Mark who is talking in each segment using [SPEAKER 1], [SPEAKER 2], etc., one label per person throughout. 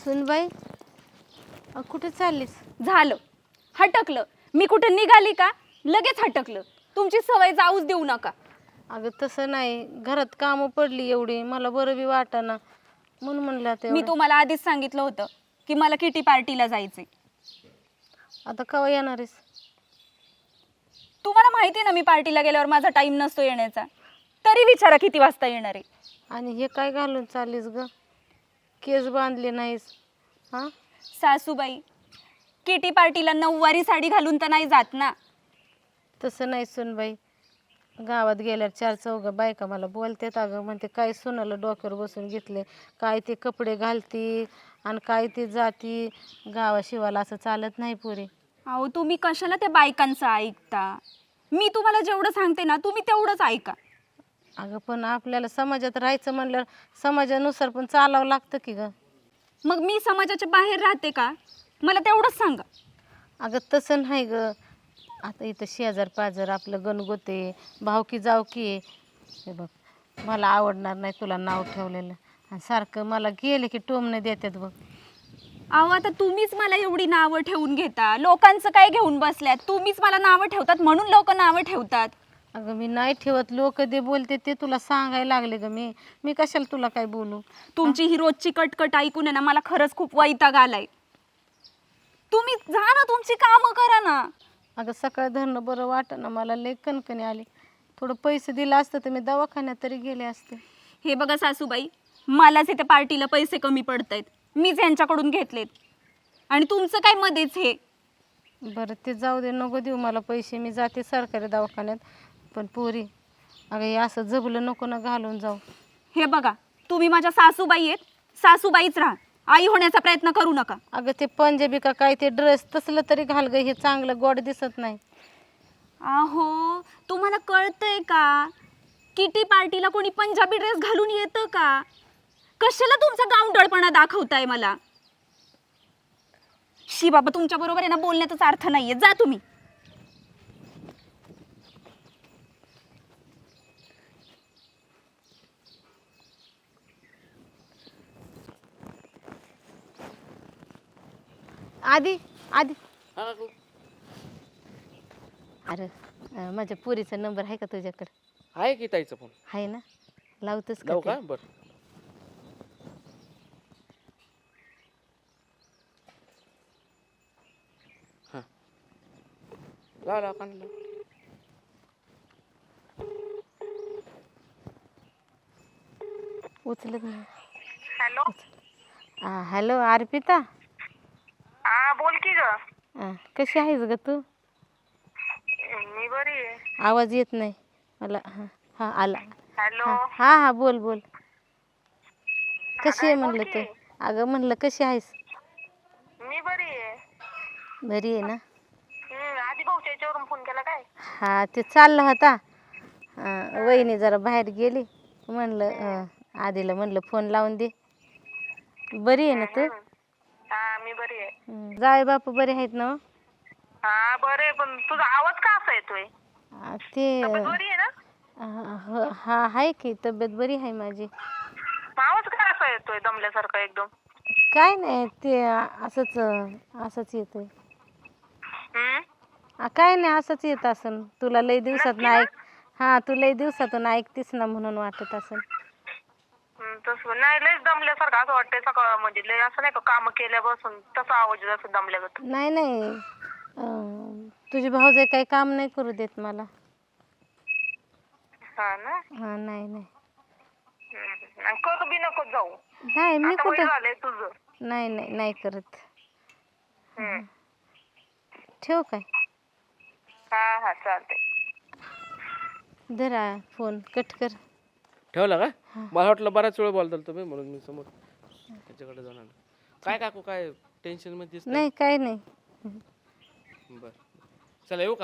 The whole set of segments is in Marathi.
[SPEAKER 1] सुनबाई कुठे चाललीस?
[SPEAKER 2] झालं, हटकलं. मी कुठे निघाली का लगेच हटकलं. तुमची सवय जाऊच देऊ नका.
[SPEAKER 1] अगं तसं नाही, घरात कामं पडली एवढी, मला बरं बी वाटाना म्हणून म्हणलं आता
[SPEAKER 2] मी तुम्हाला आधीच सांगितलं होतं की मला किटी पार्टीला जायचंय.
[SPEAKER 1] आता केव्हा येणार आहेस?
[SPEAKER 2] तुम्हाला माहिती आहे ना मी पार्टीला गेल्यावर माझा टाइम नसतो येण्याचा. तरी विचारा किती वाजता येणार आहे.
[SPEAKER 1] आणि हे काय घालून चाललीस ग? केस बांधले नाहीस? हां
[SPEAKER 2] सासूबाई, किटी पार्टीला नऊवारी साडी घालून तर नाही जात ना.
[SPEAKER 1] तसं नाही सुनबाई, गावात गेल्यावर चार चौघा बायका मला बोलतात, अगं म्हणते काय सुनाला डोक्यावर बसून घेतले, काय ते कपडे घालती आणि काय ते जाती, गावाशिवाला असं चालत नाही पुरे.
[SPEAKER 2] अहो तुम्ही कशाला त्या बायकांचं ऐकता? मी तुम्हाला जेवढं सांगते ना तुम्ही तेवढंच ऐका.
[SPEAKER 1] अगं पण आपल्याला समाजात राहायचं म्हणल्यावर समाजानुसार पण चालावं लागतं की ग.
[SPEAKER 2] मग मी समाजाच्या बाहेर राहते का? मला तेवढंच सांगा.
[SPEAKER 1] अगं तसं नाही ग, आता इथं शेजार पाजार आपलं गणगोते भावकी जावकी आहे. हे बघ, मला आवडणार नाही तुला नाव ठेवलेलं, आणि सारखं मला गेले की टोमणे देतात बघ.
[SPEAKER 2] अहो आता तुम्हीच मला एवढी नावं ठेवून घेता. लोकांचं काय घेऊन बसल्यात? तुम्हीच मला नावं ठेवतात म्हणून लोक नावं ठेवतात.
[SPEAKER 1] अगं मी नाही ठेवत, लोक जे बोलते ते तुला सांगायला लागले ग. मी कशाला तुला काय बोलू?
[SPEAKER 2] तुमची ही रोजची कटकट ऐकून आहे ना मला खरंच खूप वैताग आलाय. तुम्ही जा ना, तुमची कामं करा ना.
[SPEAKER 1] अगं सकाळ धरणं बरं वाटेना, मला लय कणकणी आली. थोडं पैसे दिलं असतं तर मी दवाखान्यात तरी गेले असते.
[SPEAKER 2] हे बघा सासूबाई, मलाच इथे पार्टीला पैसे कमी पडतायत. मीच यांच्याकडून घेतलेत आणि तुमचं काय मध्येच हे.
[SPEAKER 1] बरं ते जाऊ दे, नको देऊ मला पैसे, मी जाते सरकारी दवाखान्यात. पण पोरी, अगं हे असं जबलं नको ना घालून जाऊ.
[SPEAKER 2] हे बघा, तुम्ही माझ्या सासूबाई आहेत, सासूबाईच राहा. आई होण्याचा प्रयत्न करू नका.
[SPEAKER 1] अगं ते पंजाबी का काय ते ड्रेस तसलं तरी घाल ग, हे चांगलं गोड दिसत नाही.
[SPEAKER 2] अहो तुम्हाला कळतंय का? किटी पार्टीला कोणी पंजाबी ड्रेस घालून येतं का? कशाला तुमचा गावंढळपणा दाखवताय मला? शी बाबा, तुमच्या बरोबर आहे ना बोलण्याचाच अर्थ नाहीये. जा तुम्ही.
[SPEAKER 1] आधी आधी अरे माझ्या पुरीचा नंबर आहे का तुझ्याकडे?
[SPEAKER 3] आहे की ताईचा फोन?
[SPEAKER 1] आहे ना, लावतोस का
[SPEAKER 3] लावू
[SPEAKER 1] ते?
[SPEAKER 3] का? बरं. हां, लाव कान लाव.
[SPEAKER 1] उचलत नाही.
[SPEAKER 4] हॅलो.
[SPEAKER 1] हॅलो अर्पिता.
[SPEAKER 4] हा बोल की ग.
[SPEAKER 1] कशी आहेस ग तू?
[SPEAKER 4] मी बरी आहे.
[SPEAKER 1] आवाज येत नाही मला. हां हां आला.
[SPEAKER 4] हॅलो.
[SPEAKER 1] हां हां बोल बोल. कशी आहे
[SPEAKER 4] बोल
[SPEAKER 1] म्हणलं
[SPEAKER 4] की.
[SPEAKER 1] तू? अगं म्हणलं कशी आहेस?
[SPEAKER 4] मी बरी आहे.
[SPEAKER 1] बरी आहे ना?
[SPEAKER 4] आधी भाऊच्या याच्यावरून फोन केला काय?
[SPEAKER 1] हा ते चालला होता. वहिनी जरा बाहेर गेली, म्हणलं आधीला म्हणलं फोन लावून दे. बरी आहे ना तू?
[SPEAKER 4] हा मी बरी आहे.
[SPEAKER 1] जावे बापू बरे आहेत ना?
[SPEAKER 4] हा बरे, पण तुझा आवाज का असा येतोय?
[SPEAKER 1] ते
[SPEAKER 4] तब्येत बरी आहे ना?
[SPEAKER 1] हा आहे की, तब्येत बरी आहे माझी.
[SPEAKER 4] आवाज का असा येतोय दमल्यासारखा एकदम?
[SPEAKER 1] काय नाही, ते असंच येतोय. काय नाही, असंच येत असन. तुला लई दिवसात
[SPEAKER 4] नक्की ना?
[SPEAKER 1] हा तू लई दिवसातून ऐकतीस ना म्हणून वाटत असन.
[SPEAKER 4] तसं नाही, लयच दमल्यासारखं असं वाटतंय सकाळ, म्हणजे लय असं नाही का काम केल्यापासून तसा आवाज येतो असं दमल्यागत.
[SPEAKER 1] नाही नाही, तुझी भाऊजाई काही काम नाही करू देत मला.
[SPEAKER 4] हा ना.
[SPEAKER 1] हा नाही नाही.
[SPEAKER 4] आणि करू बी नको जाऊ.
[SPEAKER 1] नाही मी
[SPEAKER 4] आता वय
[SPEAKER 1] कुठं.
[SPEAKER 4] झालंय तुझं.
[SPEAKER 1] नाही नाही नाही करत. ठेव काय?
[SPEAKER 4] हा हा चालतंय.
[SPEAKER 1] धरा फोन, कट कर.
[SPEAKER 3] ठेवला का? मला वाटलं बराच वेळ बोलताल तुम्ही, म्हणून मी समोर त्याच्याकडे जाऊन आलो. काय काकू, काय टेन्शन मध्ये दिसतंय?
[SPEAKER 1] नाही काय नाही.
[SPEAKER 3] बरं, चला येऊ का?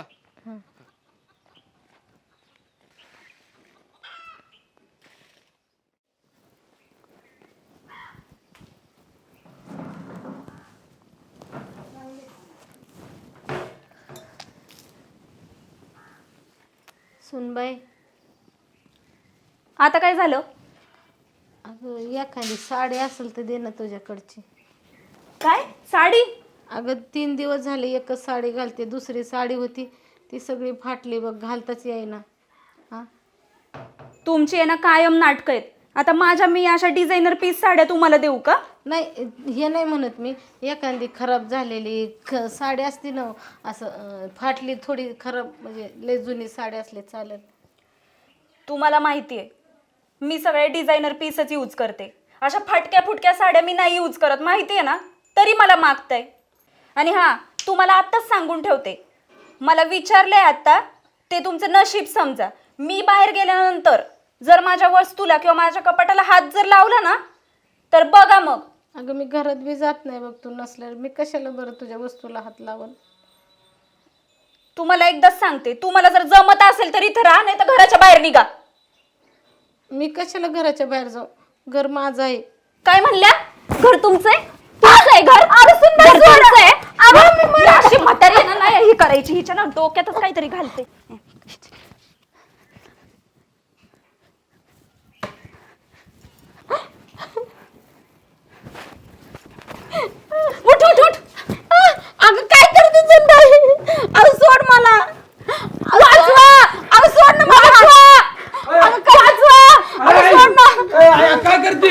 [SPEAKER 1] सुनबाई,
[SPEAKER 2] आता काय झालं?
[SPEAKER 1] अगं एखादी साडी असेल तर दे ना तुझ्याकडची.
[SPEAKER 2] काय साडी?
[SPEAKER 1] अगं 3 दिवस झाले एकच साडी घालते, दुसरी साडी होती ती सगळी फाटली बघ, घालताच येईना. हा
[SPEAKER 2] तुमची आहे ना कायम नाटकं आहेत. आता माझ्या मी अशा डिझायनर पीस साड्या तुम्हाला देऊ का?
[SPEAKER 1] नाही हे नाही म्हणत मी, एखादी खराब झालेली साडी असती ना असं फाटली थोडी खराब, म्हणजे लय जुनी साडी असली चालेल.
[SPEAKER 2] तुम्हाला माहिती आहे मी सगळे डिझायनर पीसच यूज करते. अशा फाटक्या फुटक्या साड्या मी नाही यूज करत, माहिती आहे ना, तरी मला मागताय. आणि हां, तुम्हाला आत्ताच सांगून ठेवते, मला विचारलंय आत्ता, ते तुमचं नशीब समजा. मी बाहेर गेल्यानंतर जर माझ्या वस्तूला किंवा माझ्या कपाटाला हात जर लावला ना तर बघा मग.
[SPEAKER 1] अगं मी घरात बी जात नाही बघ तू नसल्यावर, मी कशाला बरं तुझ्या वस्तूला हात लावल.
[SPEAKER 2] तुम्हाला एकदाच सांगते, तुम्हाला जर जमत असेल तर इथं राहा, नाही तर घराच्या बाहेर निघा.
[SPEAKER 1] मी कशाला घराच्या बाहेर जाऊ, घर माझं आहे.
[SPEAKER 2] काय म्हणल्या? घर तुमचं आहे? तुमचं आहे घर? घर तुमचं आहे? ही अशी म्हातारी आहे ना, नाही ही करायची, हिच्या ना डोक्यातच काहीतरी घालते. उठ उठ उठ.
[SPEAKER 1] अगं काय करते चंदाई, अगं सोड मला,
[SPEAKER 2] वाचवा. अगं सोड ना मला. वाचवा. अगं वाचवा. अगं सोड ना.
[SPEAKER 3] काय करते?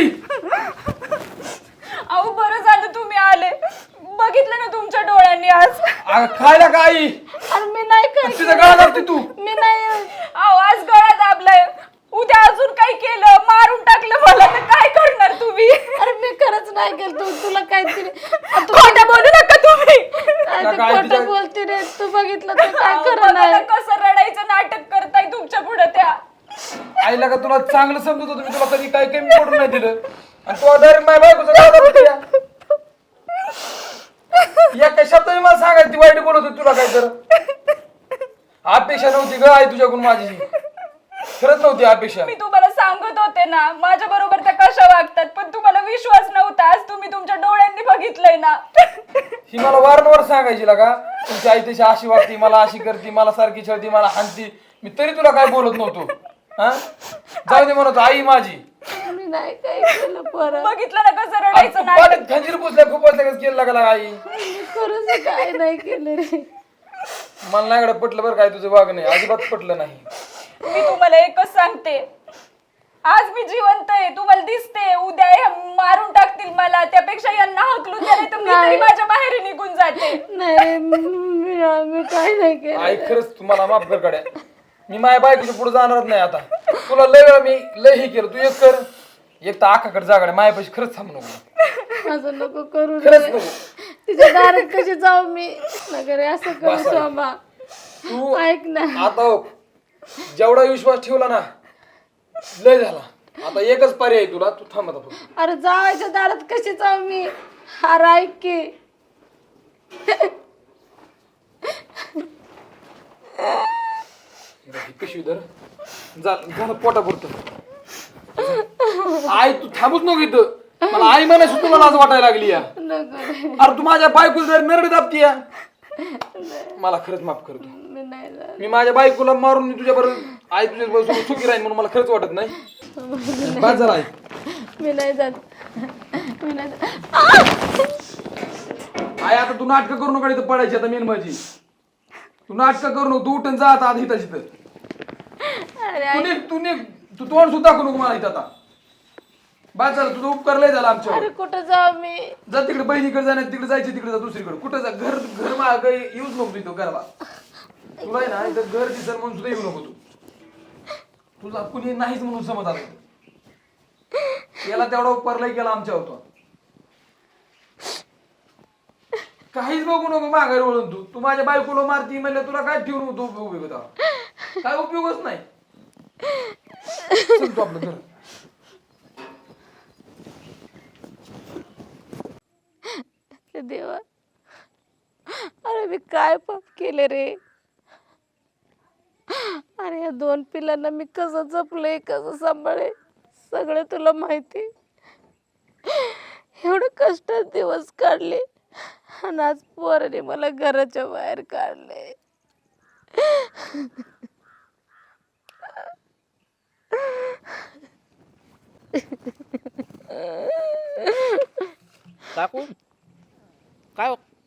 [SPEAKER 2] अहो बरं झालं तुम्ही आले, बघितलं ना तुमच्या डोळ्यांनी आज.
[SPEAKER 3] खायला काय?
[SPEAKER 1] अरे मी नाही काय
[SPEAKER 3] तिचं गळा दाबते तू.
[SPEAKER 1] मी नाही.
[SPEAKER 2] अहो आज गळा दाबलाय, उद्या अजून काही केलं, मारून टाकलं मला, तर काय करणार तुम्ही?
[SPEAKER 1] अरे मी खरंच नाही केलं, तू तुला काहीतरी
[SPEAKER 2] खोटं बोलू नका तुम्ही.
[SPEAKER 1] खोटं बोलते रे, तू बघितलं तर काय
[SPEAKER 2] अहो,
[SPEAKER 1] खरं
[SPEAKER 2] बघा
[SPEAKER 1] नाही.
[SPEAKER 2] ना कसं रडायचं नाटक करताय तुमच्या पुढे त्या.
[SPEAKER 5] आईला का तुला चांगलं समजत होतं, मी तुला कधी काही कमी पडून नाही दिलं आणि तू डायरेक्ट माझ्या बायकोचं गाव दाबते या. या काही शब्दाने मला सांगायची ती वाईट बोलत होती तुला काय तर. अपेक्षा नव्हती ग आई तुझ्याकडून माझी, खरंच नव्हती अपेक्षा.
[SPEAKER 2] मी तुम्हाला सांगत होते ना माझ्या बरोबर त्या कशा वागतात, पण तुम्हाला विश्वास नव्हता. आज तुम्ही तुमच्या डोळ्यांनी बघितलंय ना.
[SPEAKER 5] ही मला वारंवार सांगायची का तुमची आई तशी अशी वागती, मला अशी करती, मला सारखी छळती, मला हाणती, मी तरी तुला काय बोलत नव्हतो. हा जाऊ दे म्हणत आई माझी.
[SPEAKER 1] मी नाही काय केलं परत,
[SPEAKER 2] बघितलं ना कसं रडायचं नाटक.
[SPEAKER 5] पाण्यात खंजीर पुसल्या खूप केलं लागला आई.
[SPEAKER 1] मी खरंच काय नाही केलं रे.
[SPEAKER 5] मला नाही एवढं पटलं बरं काय तुझं वागणं, अजिबात पटलं नाही.
[SPEAKER 2] मी तुम्हाला एकच सांगते, आज मी जिवंत आहे, तुम्हाला दिसते, उद्या हे मारून टाकतील मला, त्यापेक्षा यांना हकलून द्या, नाही तर मी तरी माझ्या बाहेर निघून जाते.
[SPEAKER 1] नाही मी काय नाही केलं.
[SPEAKER 5] आई खरंच तुम्हाला माफ कर काड्या, मी माझ्या बायकोच्या पुढे जाणारच नाही आता. तुला लय वेळा मी लय हे केलं, तू एक कर, एक तर आखाकडे जागाडे माझ्यापाशी खरंच थांब नको.
[SPEAKER 1] असं नको करू
[SPEAKER 5] खरंच
[SPEAKER 1] रे.
[SPEAKER 5] नको.
[SPEAKER 1] तिच्या दारात कशी जाऊ मी, नगर असं करू
[SPEAKER 5] बस आहे.
[SPEAKER 1] शोभा.
[SPEAKER 5] तू
[SPEAKER 1] ऐक ना,
[SPEAKER 5] आता हो, जेवढा विश्वास ठेवला ना लय झाला. आता एकच पर्याय आहे तुला, तू थांब आता फक्त.
[SPEAKER 1] अरे जावायच्या दारात कशी जाऊ मी. अरे ऐक की,
[SPEAKER 5] ही पिशवी धर, झालं पोटा पुरतं. आई तू थांबूच नको इथं, मला आई म्हणायची तुला लाज वाटायला लागली या.
[SPEAKER 1] नको रे,
[SPEAKER 5] अरे तू माझ्या बायकोला नरड दाबती या. मला खरंच माफ कर तू.
[SPEAKER 1] मी नाही जात.
[SPEAKER 5] मी माझ्या बायकोला मारून मी तुझ्या बरोबर आई तुझ्या बरोबर सुखी राहीन म्हणून मला खरंच वाटत नाही. बस झाला आई.
[SPEAKER 1] मी नाही जात. मी नाही जात.
[SPEAKER 5] आई आता तू नाटकं करू नका इथं पडायची. आता मेन माझी तू नाटकं करू नको, तू उठून जा आता आधी इथं तिथं. तू तोंड सुद्धा करू नको मला इथं आता. बस झालं, तुझं उपकार लय झाला आमच्यावर.
[SPEAKER 1] अरे कुठं जाऊ मी.
[SPEAKER 5] जा तिकडे बहिणीकडे जा, नाही तिकडे जायची तिकडे जा, दुसरीकडे कुठं जा. घर माग येऊच नको तिथं घराला. तुला आहे ना इथं घर दिसर म्हणून सुद्धा येऊ नको तू. तुला कुणी नाहीच म्हणून समज आलं. याला तेवढा उपकार लय केला आमच्यावर तो. काहीच बघू नको माघारी वळून तू माझ्या बायकोला मारती म्हणलं तुला काय ठेवून होतो उपयोग होता, काय उपयोगच नाही. चल तू आपलं घर.
[SPEAKER 1] देवा, अरे मी काय पाप केले रे. अरे या 2 पिलांना मी कसं जपलंय, कसं सांभाळे, सगळं तुला माहिती. एवढं कष्टात दिवस काढले आणि आज पोराने मला घराच्या बाहेर काढले.
[SPEAKER 3] काकू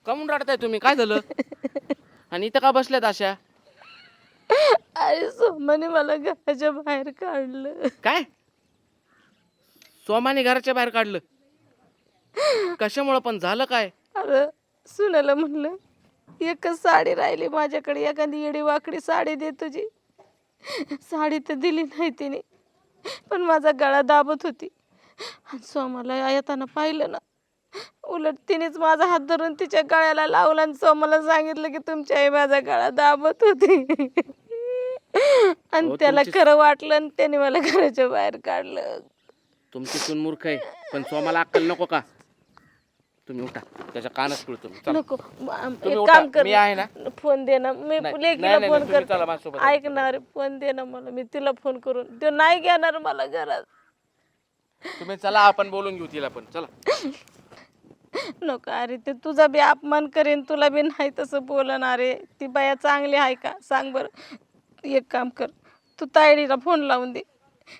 [SPEAKER 3] कमून रडताय तुम्ही? काय झालं? आणि इथं का बसल्यात अशा?
[SPEAKER 1] अरे सोमाने मला घराच्या बाहेर काढलं.
[SPEAKER 3] काय? सोमाने घराच्या बाहेर काढलं? कशामुळं पण झालं काय?
[SPEAKER 1] अरे सुनाला म्हणलं एकच साडी राहिली माझ्याकडे, एखादी येडी वाकडी साडी दे तुझी. साडी तर दिली नाही तिने, पण माझा गळा दाबत होती. आणि सोमाला येताना पाहिलं ना, उलट तिनेच माझा हात धरून तिच्या गळ्याला लावला आणि सोमाला सांगितलं की तुमची आई माझा गळा दाबत होती. आणि
[SPEAKER 3] अहो,
[SPEAKER 1] त्याला
[SPEAKER 3] तुमची-
[SPEAKER 1] खरं वाटलं आणि त्याने मला घराच्या बाहेर काढलं.
[SPEAKER 3] तुमची सून मूर्ख आहे, पण सोमाला अक्कल नको का? तुम्ही उठा, त्याच्या कानच पिळतो मी. चला.
[SPEAKER 1] नको
[SPEAKER 3] तुम्ही
[SPEAKER 1] एक
[SPEAKER 3] उठा,
[SPEAKER 1] काम कर,
[SPEAKER 3] मी आहे ना.
[SPEAKER 1] फोन दे ना, मी
[SPEAKER 3] नाही,
[SPEAKER 1] लेकीला
[SPEAKER 3] नाही, नाही,
[SPEAKER 1] फोन
[SPEAKER 3] तुम्ही चला
[SPEAKER 1] करते.
[SPEAKER 3] माझ्यासोबत.
[SPEAKER 1] ऐक ना रे, फोन दे ना मला, मी तिला फोन करून. तो नाही घेणार मला घरात.
[SPEAKER 3] तुम्ही चला, आपण बोलून घेऊ तिला पण. चला.
[SPEAKER 1] नको अरे, ते तुझा बी अपमान करेन, तुला बी नाही तसं बोलणार आहे. ती बाया चांगली आहे का सांग बरं. एक काम कर, तू तायडीला फोन लावून दे.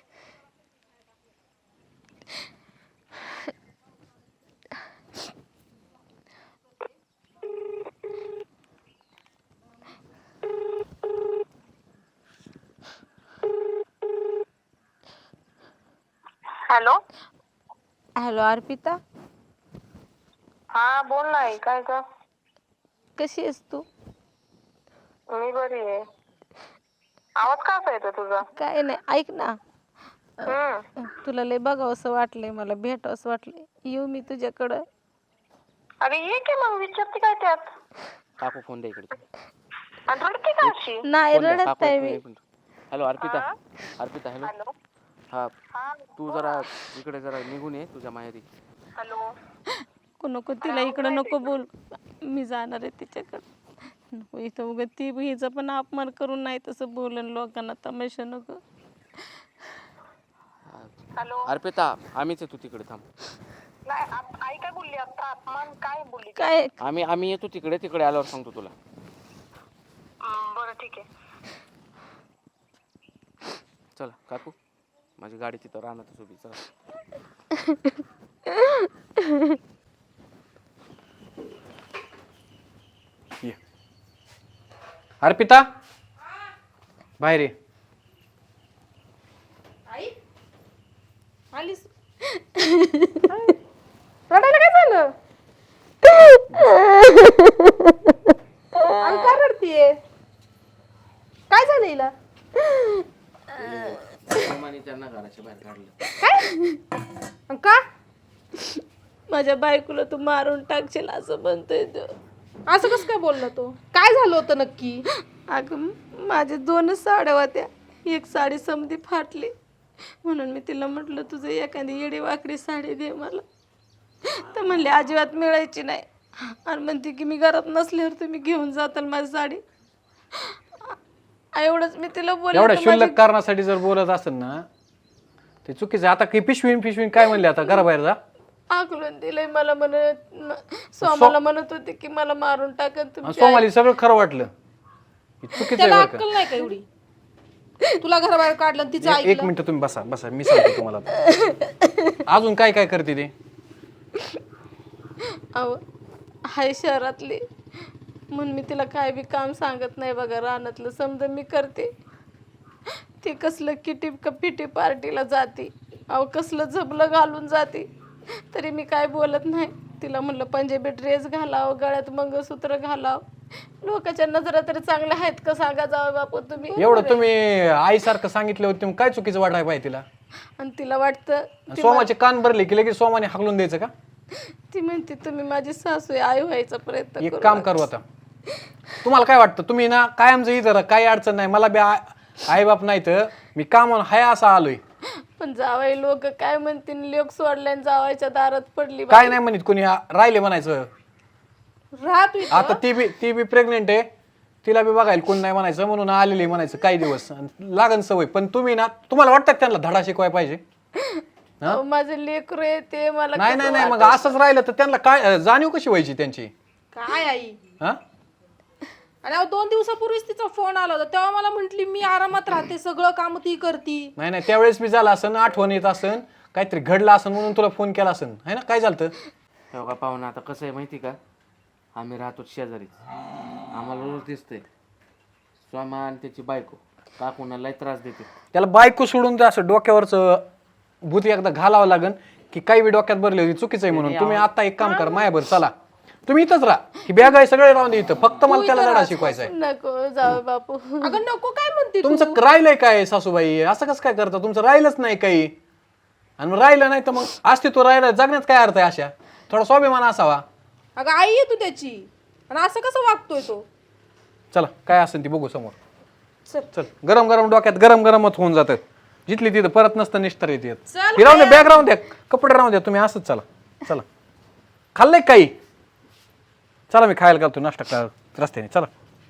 [SPEAKER 4] हॅलो.
[SPEAKER 1] हॅलो अर्पिता,
[SPEAKER 4] हा बोल नाही. काय ग?
[SPEAKER 1] कशी आहेस तू?
[SPEAKER 4] मी बरी आहे. आवाज कसा येतो तुझा?
[SPEAKER 1] काय नाही, ऐक ना,
[SPEAKER 4] हम्म.
[SPEAKER 1] तुला लय बघावं असं वाटलंय, मला भेटावं असं वाटलंय. येऊ मी तुझ्याकडं?
[SPEAKER 4] अरे ये की मग, विचारते काय त्यात?
[SPEAKER 3] काकू फोन द्या इकडे.
[SPEAKER 4] आणि रडते का अशी?
[SPEAKER 1] नाही
[SPEAKER 3] फोन द्या,
[SPEAKER 1] रडत
[SPEAKER 3] काकू,
[SPEAKER 1] नाही
[SPEAKER 3] एक
[SPEAKER 1] मी.
[SPEAKER 3] Minute. Hello Arpita. Arpita hello.
[SPEAKER 4] Hello.
[SPEAKER 3] हा, तू जरा इकडे जरा निघून ये तुझ्या माहेरी.
[SPEAKER 4] हॅलो.
[SPEAKER 1] नको तिला इकडं नको बोल, मी जाणार आहे तिच्याकडं. नको इथं उगा ती हिचा पण अपमान करून नाही तसं बोलन लोकांना, तमाशा नको.
[SPEAKER 4] हॅलो.
[SPEAKER 3] अर्पिता आम्हीच आहे, तू तिकडे थांब.
[SPEAKER 4] नाही आई काय बोलली आता? अपमान काय बोलली?
[SPEAKER 1] काय
[SPEAKER 3] आम्ही येतो तिकडे. तिकडे आल्यावर सांगतो तुला.
[SPEAKER 4] बरं ठीक आहे.
[SPEAKER 3] चला काकू, माझी गाडी तिथं राहणार उभी. चला.
[SPEAKER 6] ये अर्पिता, बाहेर ये.
[SPEAKER 1] आलीस? रडायला काय झालं? का रडतीये? काय झालं हिला?
[SPEAKER 3] त्यांना घराच्या बाहेर काढलं.
[SPEAKER 1] का? माझ्या बायकोला तू मारून टाकशील असं म्हणतोय तो.
[SPEAKER 7] असं कसं काय बोलला तो? काय झालं होतं नक्की?
[SPEAKER 1] अगं माझे 2च साड्या होत्या, एक साडी समधी फाटली, म्हणून मी तिला म्हटलं तुझं एखादी येडी वाकडी साडी दे मला. तर म्हणले अजिबात मिळायची नाही, आणि म्हणते की मी घरात नसल्यावर तुम्ही घेऊन जाताल माझी साडी. एवढंच मी तिला बोलले.
[SPEAKER 6] एवढ्या
[SPEAKER 1] तर
[SPEAKER 6] क्षुल्लक
[SPEAKER 1] माझी-
[SPEAKER 6] कारणासाठी जर बोलत असेल ना, ते चुकीचं आहे. आता काही पिशवीन काय म्हणले, आता घराबाहेर जा.
[SPEAKER 1] आकलून दिलंय मला, सोमाला म्हणत होते की मला मारून टाकन
[SPEAKER 6] आणि
[SPEAKER 1] तुम्ही.
[SPEAKER 6] सोमाली सगळं खरं वाटलं. हे चुकीचं आहे
[SPEAKER 7] त्याला
[SPEAKER 6] बरं का.
[SPEAKER 7] अक्कल नाही का एवढी? तुला घराबाहेर काढलं आणि तिचं
[SPEAKER 6] एक
[SPEAKER 7] ऐकलं?
[SPEAKER 6] मिनिट तुम्ही बसा, मी सांगतो तुम्हाला आता. अजून काय करते ते?
[SPEAKER 1] अहो हाय शहरातली, म्हणून मी तिला काय बी काम सांगत नाही बघा. रानातलं समजा मी करते, ती कसलं किटी पिटी पार्टीला जाते, अहो कसलं झबलं घालून जाते, तरी मी काय बोलत नाही. तिला म्हणलं पंजाबी ड्रेस घालाव, गळ्यात मंगळसूत्र घालाव, लोकांच्या नजरा तरी चांगल्या आहेत का सांगा जावं बापू तुम्ही.
[SPEAKER 6] एवढं तुम्ही आईसारखं सांगितलं होतं, तुम्ही काय चुकीचं वाटायला पाहिजे तिला?
[SPEAKER 1] आणि तिला वाटतं
[SPEAKER 6] सोमाचे कान भरले की लगेच सोमाने हाकलून द्यायचं का?
[SPEAKER 1] ती म्हणते तुम्ही माझी सासू आहे, आई व्हायचा प्रयत्न
[SPEAKER 6] एक
[SPEAKER 1] करू
[SPEAKER 6] काम
[SPEAKER 1] नका.
[SPEAKER 6] करू आता. तुम्हाला काय वाटतं? तुम्ही ना कायमचं इथं काही अडचण नाही, मला बी आई बाप नाही तर मी काम हाय असा आलोय.
[SPEAKER 1] पण जावाई लोक काय म्हणतील, लोक सोडल्यान जावायच्या दारात पडली.
[SPEAKER 6] काय नाही म्हणत कोणी, राहिले म्हणायचं.
[SPEAKER 7] राहा तू इथं.
[SPEAKER 6] आता ती बी प्रेग्नेंट आहे, तिला बी बघायला कोण नाही म्हणायचं, म्हणून आलेली म्हणायचं काही दिवस, लागन सवय. पण तुम्ही ना, तुम्हाला वाटतं त्यांना धडा शिकवाय पाहिजे?
[SPEAKER 1] अहो, माझे लेकरू आहे ते, मला
[SPEAKER 6] नाही
[SPEAKER 1] कसं
[SPEAKER 6] नाही नाही, मग
[SPEAKER 1] वाटतं.
[SPEAKER 6] असंच राहिलं तर त्यांना काय जाणीव कशी व्हायची त्यांची?
[SPEAKER 7] काय आई?
[SPEAKER 6] हा
[SPEAKER 7] आणि अहो 2 दिवसापूर्वीच तिचा फोन आला होता, तेव्हा मला म्हंटली मी आरामात राहते, सगळं काम ती करती.
[SPEAKER 6] नाही नाही, त्यावेळेस बी झालं असन, आठवण येत असन, काहीतरी घडलं असन म्हणून तुला फोन केला असन, है ना? काय झालं?
[SPEAKER 3] हो का पाहुणा, आता कसं आहे माहिती का, आम्ही राहतो शेजारीच, आम्हाला रोज दिसतंय स्वामा आणि त्याची बायको काकूना लय त्रास देते.
[SPEAKER 6] त्याला बायको सोडून तर असं डोक्यावरचं भूत एकदा घालावं लागन की काही बी डोक्यात भरली होती चुकीचं आहे म्हणून. तुम्ही आता एक काम करा, मायाभर चला, तुम्ही इथंच राहा, ही बॅग आहे सगळे राहून दे इथं, फक्त मला त्याला धडा शिकवायचा आहे.
[SPEAKER 1] नको जाऊ बापू.
[SPEAKER 7] अगं नको काय म्हणते तू?
[SPEAKER 6] तुमचं राहिलंय काय सासूबाई, असं कसं काय करता? तुमचं राहिलंच नाही काही, आणि मग राहिलं नाही तर मग अस्तित्व राहिलं, जगण्यात काय अर्थ आहे? अशा थोडा स्वाभिमान असावा.
[SPEAKER 7] अगं आई आहे तू त्याची, आणि असं कसं वागतोय तो?
[SPEAKER 6] चला काय असेल ती बघू समोर. चल, गरम गरम डोक्यात गरम गरमच होऊन जातं, जिथली तिथं परत नसतं निष्ठर येते.
[SPEAKER 7] चल
[SPEAKER 6] राहून द्या, बॅग राहून द्या, कपडे राहून द्या, तुम्ही असंच चला. चला खाल्लंय काही? चला मी खायला घालतो नाश्ता करा रस्त्याने. चला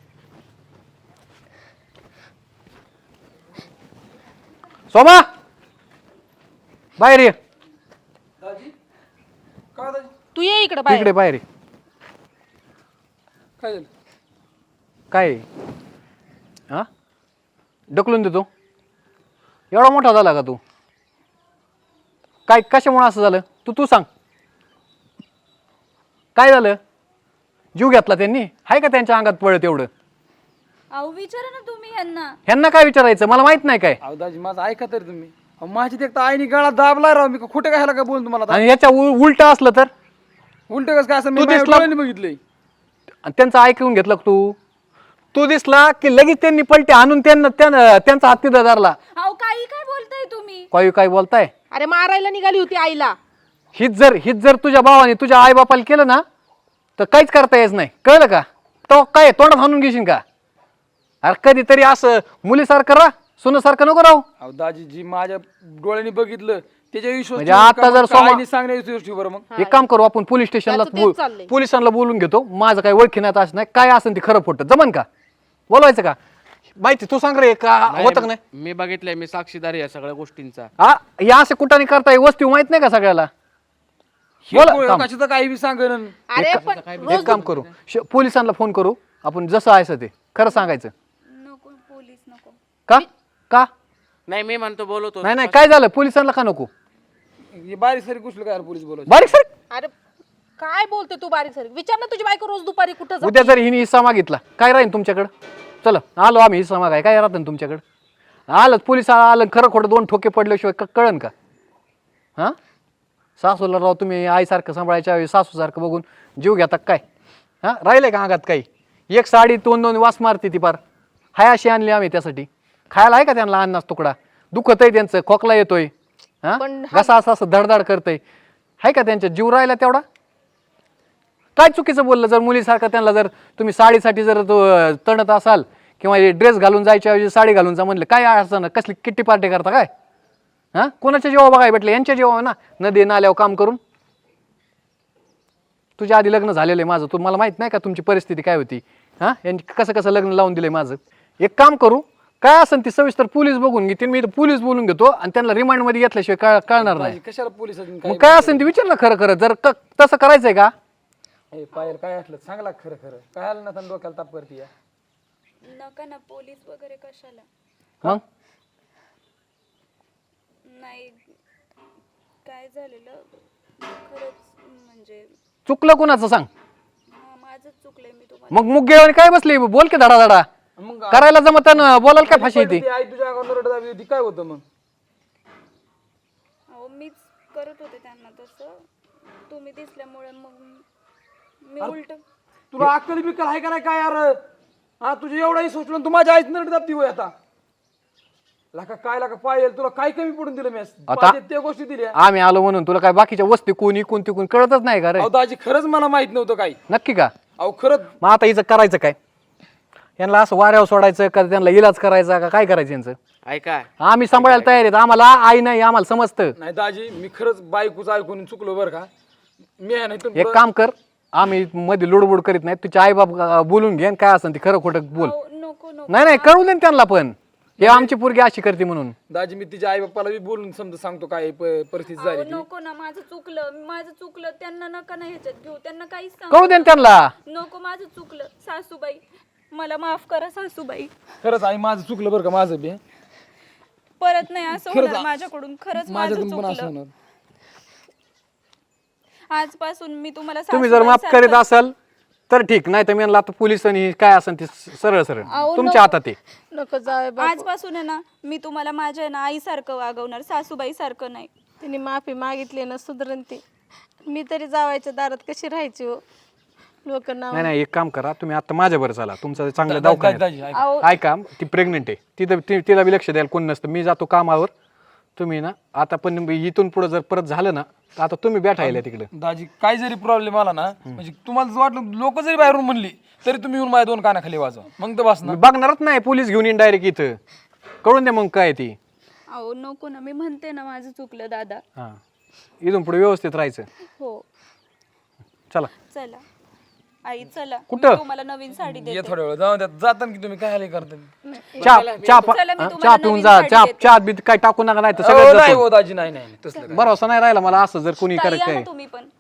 [SPEAKER 6] सोमा बाहेर ये,
[SPEAKER 7] तू ये इकडे बाहेर.
[SPEAKER 6] इकडे बाहेर ये.
[SPEAKER 5] काय झालं?
[SPEAKER 6] काय हा ढकलून देतो? एवढा मोठा झाला का तू? काय कशामुळे असं झालं? तू सांग, काय झालं? जीव घेतला त्यांनी? आहे का त्यांच्या अंगात पळत एवढं?
[SPEAKER 2] अहो विचारा ना तुम्ही यांना.
[SPEAKER 6] ह्यांना काय विचारायचं? मला माहित नाही काय.
[SPEAKER 5] अहो दाजी माझं ऐका तरी तुम्ही. अहो, माझी ते एकतर आईने गळा दाबला राव, मी खोटं काय काय बोलून तुम्हाला?
[SPEAKER 6] आणि ह्याच्या उलट असलं तर?
[SPEAKER 5] उलट कसं काय असं? मी
[SPEAKER 6] तू
[SPEAKER 5] माझ्या
[SPEAKER 6] दिसला-
[SPEAKER 5] डोळ्यांनी बघितलंय.
[SPEAKER 6] आणि त्यांचं ऐकून घेतलं का तू दिसला की लगेच त्यांनी पलटे आणून त्यांचा हात तिथं धरला.
[SPEAKER 2] अहो काही काय बोलताय तुम्ही?
[SPEAKER 6] काय बोलताय?
[SPEAKER 7] अरे मारायला निघाली होती आईला.
[SPEAKER 6] हीच जर तुझ्या भावाने तुझ्या आई बापाला केलं ना तर काहीच करता येत नाही, कळलं का? तो काय तोंडात हाणून घेशील का? अरे कधीतरी असं मुलीसारखं राह, सुनासारखं नको राहू.
[SPEAKER 5] अहो दाजी जी माझ्या डोळ्यांनी बघितलं त्याच्या विश्वास
[SPEAKER 6] म्हणजे आता जर सोमा-
[SPEAKER 5] आईने सांगण्याच्या गोष्टीवर मग
[SPEAKER 6] एक काम करू आपण, पोलीस स्टेशनला
[SPEAKER 7] त्याचं तेच चाललंय.
[SPEAKER 6] पोलिसांना बोलून घेतो. माझं काही ओळखी नाही असं नाही, काय असेल ते खरं खोटं जमन का? बोलवायचं का? माहिती तू सांग रे, का होतं का नाही?
[SPEAKER 3] मी बघितलंय, मी साक्षीदार आहे या सगळ्या गोष्टींचा.
[SPEAKER 6] हा या असे कुठाने करताय वस्ती माहित नाही का सगळ्याला? बोला, थांब.
[SPEAKER 5] कशाचं काही बी सांगन.
[SPEAKER 7] अरे पण
[SPEAKER 6] एक काम करू, पोलिसांना फोन करू आपण, जसं आहे ते खरं सांगायचं.
[SPEAKER 2] नको पोलीस नको.
[SPEAKER 6] का
[SPEAKER 3] नाही मी म्हणतो बोलवतो.
[SPEAKER 6] नाही काय झालं? पोलिसांना का नको?
[SPEAKER 5] बारीक सारी कुठलं काय पोलीस बोलायचं?
[SPEAKER 6] बारीक सर
[SPEAKER 7] अरे काय बोलते तू बारीक सारीक? विचार ना तुझी बायको रोज दुपारी कुठं जाते?
[SPEAKER 6] उद्या जर हिने हिस्सा मागितला काय राहील तुमच्याकडं? चला आलो आम्ही हिस्सा मागाय, काय राहतं तुमच्याकडं? आलं पोलिस आलं, खरं खोटं दोन ठोके पडल्याशिवाय कळन का? हां सासूला राव तुम्ही आईसारखं सांभाळायच्या वेळी सासूसारखं बघून जीव घेता काय? हां राहिलंय का अंगात काही? एक साडी दोन वास मारते ती पार. हाय अशी आणली आम्ही त्यासाठी. खायला आहे का त्यांना अन्नाच तुकडा? दुखत आहे त्यांचं, खोकला येतोय, हां
[SPEAKER 7] पण
[SPEAKER 6] घसा असं धडधड करतंय, आहे का त्यांच्या जीव राहिला तेवढा? काय चुकीचं बोललं जर मुलीसारखं त्यांना जर तुम्ही साडीसाठी जर तणत असाल किंवा ड्रेस घालून जायच्या ऐवजी साडी घालून जा म्हणलं, काय असं ना कसली किट्टी पार्टी करता काय? हां कोणाच्या जेव्हा बघाय भेटले? यांच्या जेव्हा ना नदी नाल्यावर काम करून. तुझ्या आधी लग्न झालेलं आहे माझं, तुम्हाला माहित नाही का तुमची परिस्थिती काय होती? हां यांनी कसं लग्न लावून दिलंय माझं. एक काम करू, काय असेल ती सविस्तर पोलीस बघून घेतील, मी पोलीस बोलून घेतो आणि त्यांना रिमांड मध्ये घेतल्याशिवाय कळणार नाही.
[SPEAKER 5] कशाला पोलीस
[SPEAKER 6] मग काय असेल ते विचार ना खरं जर तसं करायचंय का?
[SPEAKER 5] पायल काय असलं सांगला खरं काय आलं ना डोक्याला ताप करते या.
[SPEAKER 2] नका ना पोलीस वगैरे कशाला.
[SPEAKER 6] मग
[SPEAKER 2] नाही काय झालेलं खरंच म्हणजे
[SPEAKER 6] चुकलं कोणाचं सांग?
[SPEAKER 2] माझंच चुकलंय. मी तुम्हाला
[SPEAKER 6] मग मुगेवानी काय बसली? बोल की धडा
[SPEAKER 5] मग
[SPEAKER 6] करायला जमत बोलायला काय फाशी येते?
[SPEAKER 5] ती आई तुझ्या अंगावर रडत आली होती, काय होतं मग?
[SPEAKER 2] अहो मीच करत होते त्यांना तसं, तुम्ही दिसल्यामुळे मग मी उलट.
[SPEAKER 5] तुला अक्कल बिक्कल आहे का नाही काय यार? हा तुझ्या एवढाही सोचलं तू माझ्या आईच नरड दाबती होय आता. लाका काय लाका पायल तुला काय कमी पडून दिलं मी
[SPEAKER 6] आता?
[SPEAKER 5] पाहिजे त्या गोष्टी दिल्या.
[SPEAKER 6] आम्ही आलो म्हणून तुला काय बाकीच्या वस्ती कोण तिकून कळतच नाही का रे?
[SPEAKER 5] अहो दाजी खरंच मला माहित नव्हतं काही.
[SPEAKER 6] नक्की का?
[SPEAKER 5] अहो खरंच
[SPEAKER 6] मग आता हिचं करायचं काय? यांना असं वाऱ्यावर सोडायचं का त्यांना इलाज करायचा का काय करायचं यांचं?
[SPEAKER 3] ऐका
[SPEAKER 6] आम्ही सांभाळायला तयार आहेत, आम्हाला आई नाही आम्हाला समजतं.
[SPEAKER 5] नाही दाजी मी खरंच बायकोच ऐकून चुकलो बरं का. मी आहे नाही
[SPEAKER 6] एक काम कर, आम्ही मध्ये लुडबुड करीत नाही, तुझे आई बाप बोलून घे काय असेल ते खरं खोटं बोल.
[SPEAKER 2] नको नको.
[SPEAKER 6] नाही कळू दे ना त्यांना पण, हे आमची पोरगी अशी करते म्हणून.
[SPEAKER 5] दाजी मी तिच्या आई बाप्पाला बी बोलून समजा सांगतो काय परिस्थिती झाली ती.
[SPEAKER 2] नको ना, माझं चुकलं. त्यांना नका ना ह्याच्यात घेऊ, त्यांना काहीच
[SPEAKER 6] कळू दे ना त्यांना.
[SPEAKER 2] नको. माझं चुकलं सासूबाई, मला माफ करा सासूबाई.
[SPEAKER 5] खरंच आई माझं चुकलं बरं का, माझं बी
[SPEAKER 2] परत नाही असं होणार माझ्याकडून. खरंच माझं
[SPEAKER 5] माझ्याकडून पण असं
[SPEAKER 2] चुकलं.
[SPEAKER 5] होणार.
[SPEAKER 2] आजपासून मी तुम्हाला
[SPEAKER 6] तुम्ही जर माफ
[SPEAKER 2] सासूबाईसारखं-
[SPEAKER 6] करीत असाल तर ठीक, नाही तर मी म्हणलं आता पोलिसांनी काय असेल ते सरळ सरळ
[SPEAKER 2] अहो,
[SPEAKER 6] तुमच्या हातात आहे.
[SPEAKER 1] नको जावे बापू.
[SPEAKER 2] आजपासून आहे ना मी तुम्हाला माझ्या ना आईसारखं वागवणार, सासूबाई सारखं नाही.
[SPEAKER 1] तिने माफी मागितली ना, सुधरण ती. मी तरी जावायच्या दारात कशी राहायची हो, लोक नाव.
[SPEAKER 6] नाही नाही, एक काम करा, तुम्ही आता माझ्याबरोबर चला, तुमचं चांगलं दवाखान्यात.
[SPEAKER 5] दाजी ऐक.
[SPEAKER 2] अहो
[SPEAKER 6] ऐका, ती प्रेग्नेंट आहे, तिला बी लक्ष द्यायला कोण नसतं. मी जातो कामावर, तुम्ही ना आता पण इथून पुढे जर परत झालं ना तर आता तुम्ही बैठायला तिकडे.
[SPEAKER 5] दाजी काय जरी प्रॉब्लेम आला ना, म्हणजे तुम्हाला जर वाटलं लोक जरी बाहेरून म्हणली तरी तुम्ही येऊन माझ्या 2 कानाखाली वाजवा, मग तर बस ना.
[SPEAKER 6] मी बघणारच नाही, पोलीस घेऊन येईन डायरेक्ट इथं. कळून दे मग काय ती.
[SPEAKER 2] अहो नको ना, मी म्हणते ना माझं चुकलं दादा.
[SPEAKER 6] हा, इथून पुढे व्यवस्थित राहायचं.
[SPEAKER 2] हो
[SPEAKER 6] चला.
[SPEAKER 2] चला आई चला,
[SPEAKER 6] कुठं?
[SPEAKER 2] मी तुम्हाला नवीन साडी
[SPEAKER 5] ये
[SPEAKER 2] देते.
[SPEAKER 5] थोड्या वेळ जाऊ द्या, जाताना की तुम्ही काय हाले करता.
[SPEAKER 6] चहा
[SPEAKER 2] चला, मी तुम्हाला
[SPEAKER 6] चहा पिऊन
[SPEAKER 2] नवीन
[SPEAKER 6] जा.
[SPEAKER 2] साडी
[SPEAKER 6] चहा
[SPEAKER 2] देते.
[SPEAKER 6] चहा बी काय टाकू नका, नाही तर
[SPEAKER 5] अहो,
[SPEAKER 6] सगळं
[SPEAKER 5] नाही
[SPEAKER 6] जातं.
[SPEAKER 5] हो दाजी, नाही नाही तसलं काय.
[SPEAKER 6] भरोसा नाही राहिला मला असं जर कोणी
[SPEAKER 2] ताई
[SPEAKER 6] करत
[SPEAKER 2] या
[SPEAKER 6] काय.
[SPEAKER 2] ना तुम्ही पण.